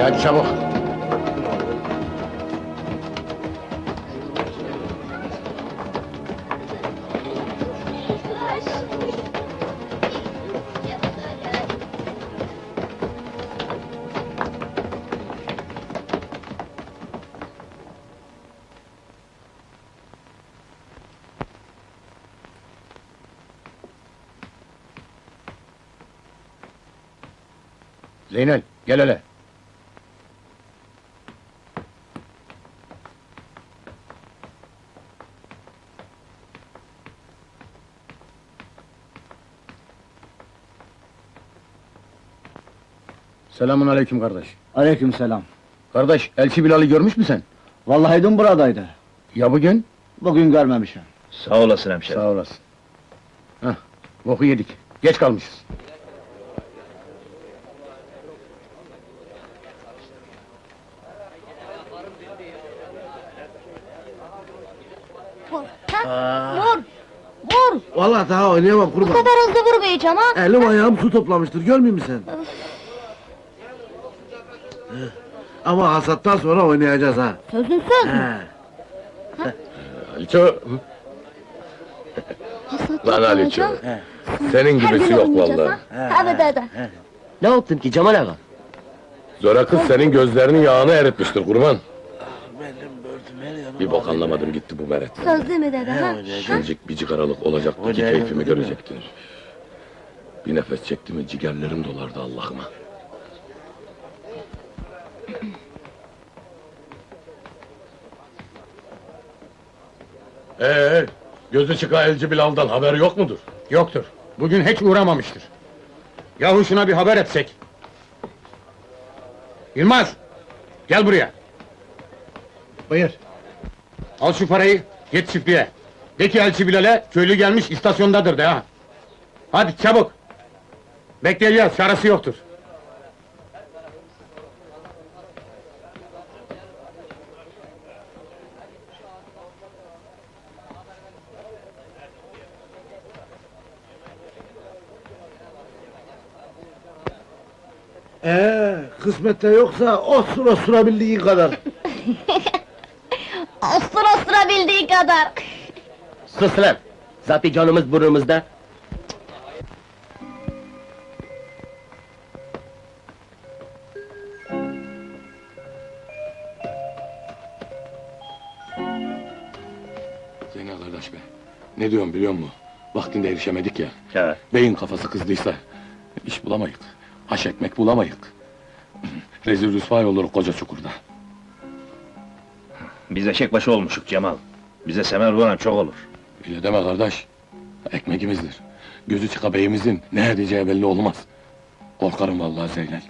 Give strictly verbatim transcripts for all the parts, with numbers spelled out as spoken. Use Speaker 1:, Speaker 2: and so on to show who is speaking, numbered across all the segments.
Speaker 1: Hadi çabuk. Zeynel, gel hele. Selamun aleyküm kardeş.
Speaker 2: Aleykümselam.
Speaker 1: Kardeş, Elçi Bilal'i görmüş mü sen?
Speaker 2: Vallahi dün buradaydı.
Speaker 1: Ya bugün?
Speaker 2: Bugün görmemişim.
Speaker 3: Sağ olasın hemşerim.
Speaker 1: Sağ olasın. Hah, boku yedik. Geç kalmışız.
Speaker 4: Vur! Ha? Vur! Vur!
Speaker 5: Vallahi daha oynayamam
Speaker 4: Bu
Speaker 5: kurban.
Speaker 4: kadar hızlı vurmayacağım ha!
Speaker 5: Elim ayağım su toplamıştır, görmüyor musun sen? Heh. Ama hasattan sonra oynayacağız ha.
Speaker 4: Sözün söz mü?
Speaker 5: He.
Speaker 1: Aliço,
Speaker 4: Hasat
Speaker 1: lan Aliço.
Speaker 4: yapmayacağım.
Speaker 1: Senin
Speaker 4: Her
Speaker 1: gibisi
Speaker 4: gün
Speaker 1: yok
Speaker 4: oynayacağız
Speaker 1: vallahi.
Speaker 4: ha. Hadi hadi.
Speaker 2: Ne yaptın ki Cemal ağa?
Speaker 1: Zora kız senin gözlerinin yağını eritmiştir kurban.
Speaker 5: Benim böldüm her yanım.
Speaker 1: Bir bok anlamadım gitti bu meret.
Speaker 4: Söz değil mi dede ha?
Speaker 1: Şuncuk bir cigaralık olacaktı ki
Speaker 5: Öyle,
Speaker 1: keyfimi
Speaker 5: öyle mi?
Speaker 1: görecektin. Bir nefes çekti mi ciğerlerim dolardı Allah'ıma. Ee, gözü çıka Elci Bilal'dan haber yok mudur?
Speaker 6: Yoktur. Bugün hiç uğramamıştır. Yahu şuna bir haber etsek. Yılmaz! Gel buraya.
Speaker 1: Buyur.
Speaker 6: Al şu parayı, git çiftliğe. De ki Elçi Bilal'e, köylü gelmiş istasyondadır de ha. Hadi çabuk! Bekleyeceğiz, çaresi yoktur.
Speaker 5: Ee, kısmette yoksa osur osurabildiğin kadar.
Speaker 4: Ostur ostura bildiği kadar.
Speaker 2: Sus lan! Zaten canımız burnumuzda.
Speaker 1: Zeynel kardeş be, ne diyorum biliyor musun? Vaktinde erişemedik ya.
Speaker 3: He.
Speaker 1: Beyin kafası kızdıysa, iş bulamayık, haş ekmek bulamayık. Rezil rüsvay olur koca çukurda.
Speaker 3: Biz eşek başı olmuşuk Cemal. Bize semer vuran çok olur.
Speaker 1: Öyle deme kardeş, ekmeğimizdir. Gözü çıka beyimizin ne edeceği belli olmaz. Korkarım vallahi Zeynel.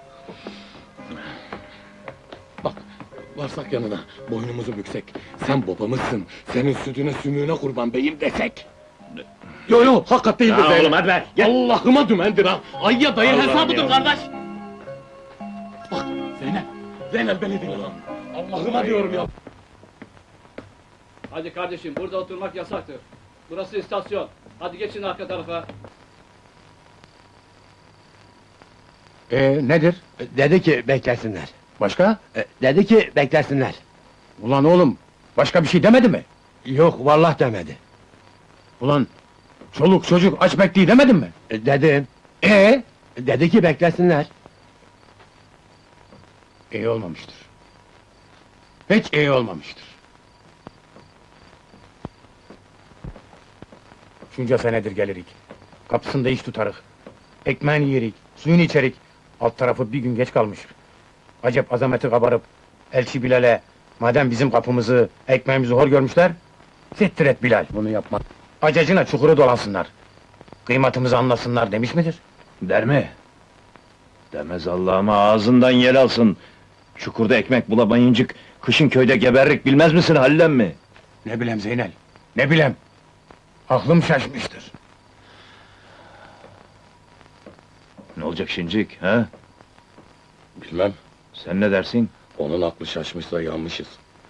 Speaker 1: Bak, varsak yanına, boynumuzu büksek, sen babamızsın, senin sütüne sümüğüne kurban beyim desek. Yo yo, hakikat değildir
Speaker 3: Ya
Speaker 1: Zeynel.
Speaker 3: oğlum, hadi ver, gel.
Speaker 1: Allah'ıma dümendir ha! Ay ya dayı
Speaker 3: Allah'ım
Speaker 1: hesabıdır
Speaker 3: ya.
Speaker 1: kardeş! Bak, Zeynel, Zeynel beni dinle lan! Allah'ıma diyorum ya!
Speaker 7: Hadi kardeşim, burada oturmak yasaktır. Burası istasyon. Hadi geçin arka tarafa.
Speaker 6: Ee, nedir?
Speaker 2: Dedi ki beklesinler.
Speaker 6: Başka?
Speaker 2: Dedi ki beklesinler.
Speaker 6: Ulan oğlum, başka bir şey demedi mi?
Speaker 2: Yok vallahi demedi.
Speaker 6: Ulan, çoluk çocuk aç bekliyor demedin mi?
Speaker 2: Dedim.
Speaker 6: Ee?
Speaker 2: Dedi ki beklesinler.
Speaker 6: İyi olmamıştır. Hiç iyi olmamıştır. Şunca senedir gelirik. Kapısında iş tutarık. Ekmeğini yerik, suyunu içerik. Alt tarafı bir gün geç kalmış. Acep azameti kabarıp, Elçi Bilal'e, madem bizim kapımızı, ekmeğimizi hor görmüşler, sittir et Bilal, bunu yapma. Acacına çukuru dolansınlar. Kıymatımızı anlasınlar demiş midir?
Speaker 3: Der mi? Demez Allah'ıma, ağzından yel alsın. Çukurda ekmek bulamayıncık, kışın köyde geberrik bilmez misin Halil emmi?
Speaker 6: Ne bilem Zeynel, ne bilem. Aklım şaşmıştır.
Speaker 3: Ne olacak şincik, ha?
Speaker 1: Bilmem,
Speaker 3: Sen ne dersin?
Speaker 1: onun aklı şaşmışsa yanmışız.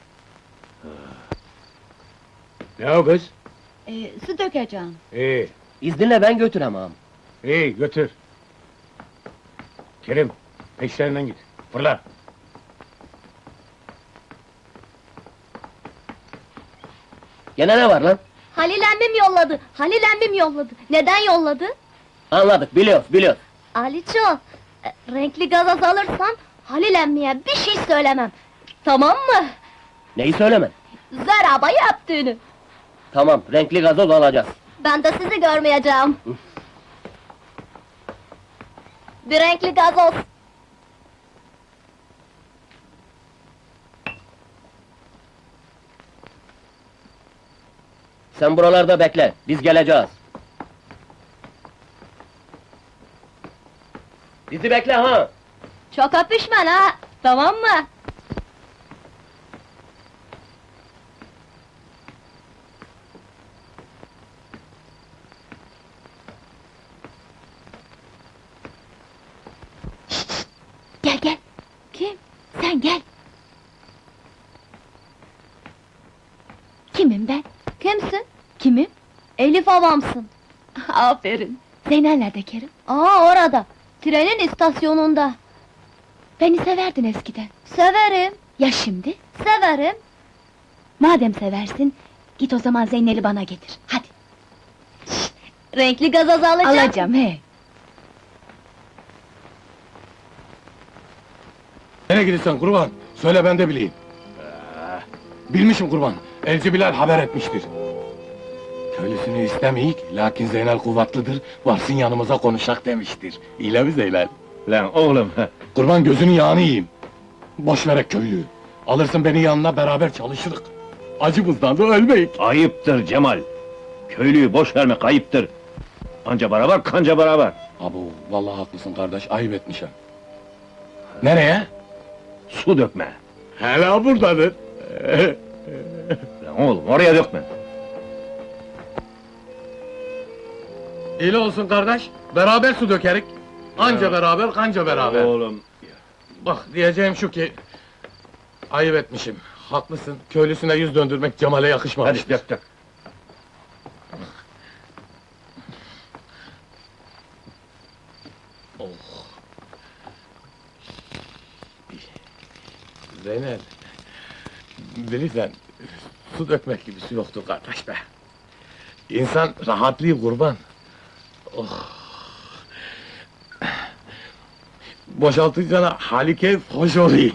Speaker 6: Ne o kız?
Speaker 4: Ee, su dökeceğim.
Speaker 6: İyi,
Speaker 2: İzninle ben götürem ağam.
Speaker 6: iyi götür. Kerim, peşlerinden git, fırla.
Speaker 2: Gene ne var lan?
Speaker 4: Halil emmim yolladı. Halil emmim yolladı. Neden yolladı?
Speaker 2: Anladık, biliyoruz, biliyoruz.
Speaker 4: Aliço, e, renkli gazoz alırsan Halil emmiye bir şey söylemem. Tamam mı?
Speaker 2: Neyi söylemen?
Speaker 4: Zeraba yaptığını.
Speaker 2: Tamam, renkli gazoz alacağız.
Speaker 4: Ben de sizi görmeyeceğim. Bir renkli gazoz.
Speaker 2: Sen buralarda bekle, biz geleceğiz. Bizi bekle ha!
Speaker 4: Çok öpüşmen ha, tamam mı? Gel gel. Kim? Sen gel. Kimim ben? Kimsin? Kimim? Elif avamsın. Aferin. Zeynel nerede Kerim? Aa orada. Trenin istasyonunda. Beni severdin eskiden. Severim. Ya şimdi? Severim. Madem seversin, git o zaman Zeynel'i bana getir. Hadi. Şşt, renkli gazoz alacağım. Alacağım he.
Speaker 1: Nereye gidiyorsun kurban? Söyle ben de bileyim. Bilmişim kurban. Elçi Bilal haber etmiştir. Köylüsünü istemeyik, lakin Zeynel kuvvetlidir, varsın yanımıza konuşak demiştir. İyle mi Zeynel?
Speaker 3: Lan oğlum,
Speaker 1: Kurban gözünün yağını yiyeyim. Boş verek köylüyü. Alırsın beni yanına beraber çalışırık. Acımızdan da ölmeyik.
Speaker 3: ayıptır Cemal. Köylüyü boş vermek ayıptır. Anca beraber, kanca beraber.
Speaker 1: Abo, vallahi haklısın kardeş, ayıp etmişim. Nereye?
Speaker 3: Su dökme.
Speaker 1: Hala buradadır.
Speaker 3: Lan oğlum, oraya dökme.
Speaker 1: İyi olsun kardeş, beraber su dökerik. Anca beraber, kanca beraber.
Speaker 3: Oğlum,
Speaker 1: Bak, diyeceğim şu ki... Ayıp etmişim, haklısın. Köylüsüne yüz döndürmek Cemal'e yakışmamış.
Speaker 3: hadi dök dök.
Speaker 1: Zeynel... Bilirsen, su dökmek gibisi yoktur kardeş be. İnsan rahatlıyor kurban. Oh! Boşaltınca hali keyif hoş oluyor.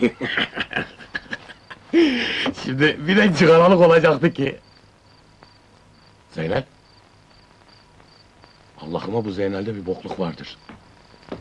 Speaker 1: Şimdi bir de cigaralık olacaktı ki. Zeynel? Allah'ıma bu Zeynel'de bir bokluk vardır.